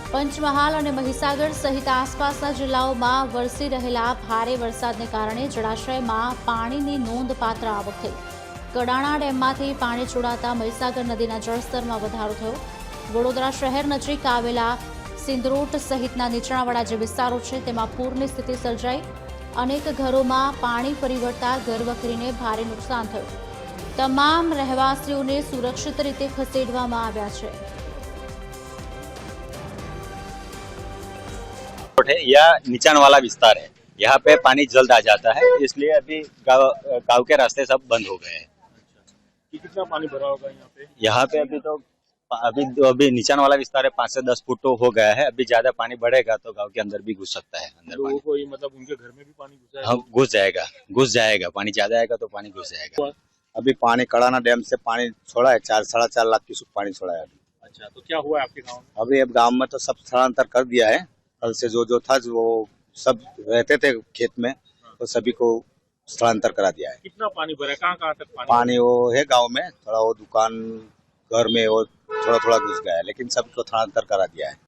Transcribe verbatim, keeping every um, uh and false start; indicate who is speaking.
Speaker 1: પંચમહાલ અને મહીસાગર સહિત આસપાસના જિલ્લાઓમાં વરસી રહેલા ભારે વરસાદને કારણે જળાશયમાં પાણીની નોંધપાત્ર આવક થઈ। કડાણા ડેમમાંથી પાણી છોડાતા મહીસાગર નદીના જળસ્તરમાં વધારો થયો। વડોદરા શહેર નજીક આવેલા સિંદરોટ સહિતના નીચાણવાળા જે વિસ્તારો છે તેમાં પૂરની સ્થિતિ સર્જાઈ। અનેક ઘરોમાં પાણી ફરી વળતા ઘરવખરીને ભારે નુકસાન થયું। તમામ રહેવાસીઓને સુરક્ષિત રીતે ખસેડવામાં આવ્યા છે।
Speaker 2: है यह नीचाण वाला विस्तार है, यहाँ पे पानी जल्द आ जाता है, इसलिए अभी गाँव गाँव के रास्ते सब बंद हो गए हैं।
Speaker 3: कितना पानी भरा होगा यहाँ पे?
Speaker 2: यहाँ पे अभी तो अभी अभी नीचाण वाला विस्तार है, पाँच से दस फुट तो हो गया है। अभी ज्यादा पानी बढ़ेगा तो गांव के अंदर भी घुस सकता है। अंदर
Speaker 3: लोगों को मतलब उनके घर में भी पानी घुसा है?
Speaker 2: हाँ, घुस जाएगा घुस जाएगा पानी ज्यादा आएगा तो पानी घुस जाएगा।
Speaker 4: अभी पानी कड़ाना डैम से पानी छोड़ा है, चार साढ़े चार लाख क्यूसेक पानी छोड़ा है अभी।
Speaker 3: अच्छा, तो क्या हुआ है आपके गाँव में?
Speaker 4: अभी अब गांव में तो सब स्थलांतर कर दिया है। कल से जो जो था वो सब रहते थे खेत में, तो सभी को स्थलांतर करा दिया है।
Speaker 3: कितना पानी भरा है? कहाँ कहाँ तक पानी?
Speaker 4: पानी वो है गांव में, थोड़ा वो दुकान घर में वो थोड़ा थोड़ा घुस गया है, लेकिन सबको स्थलांतर करा दिया है।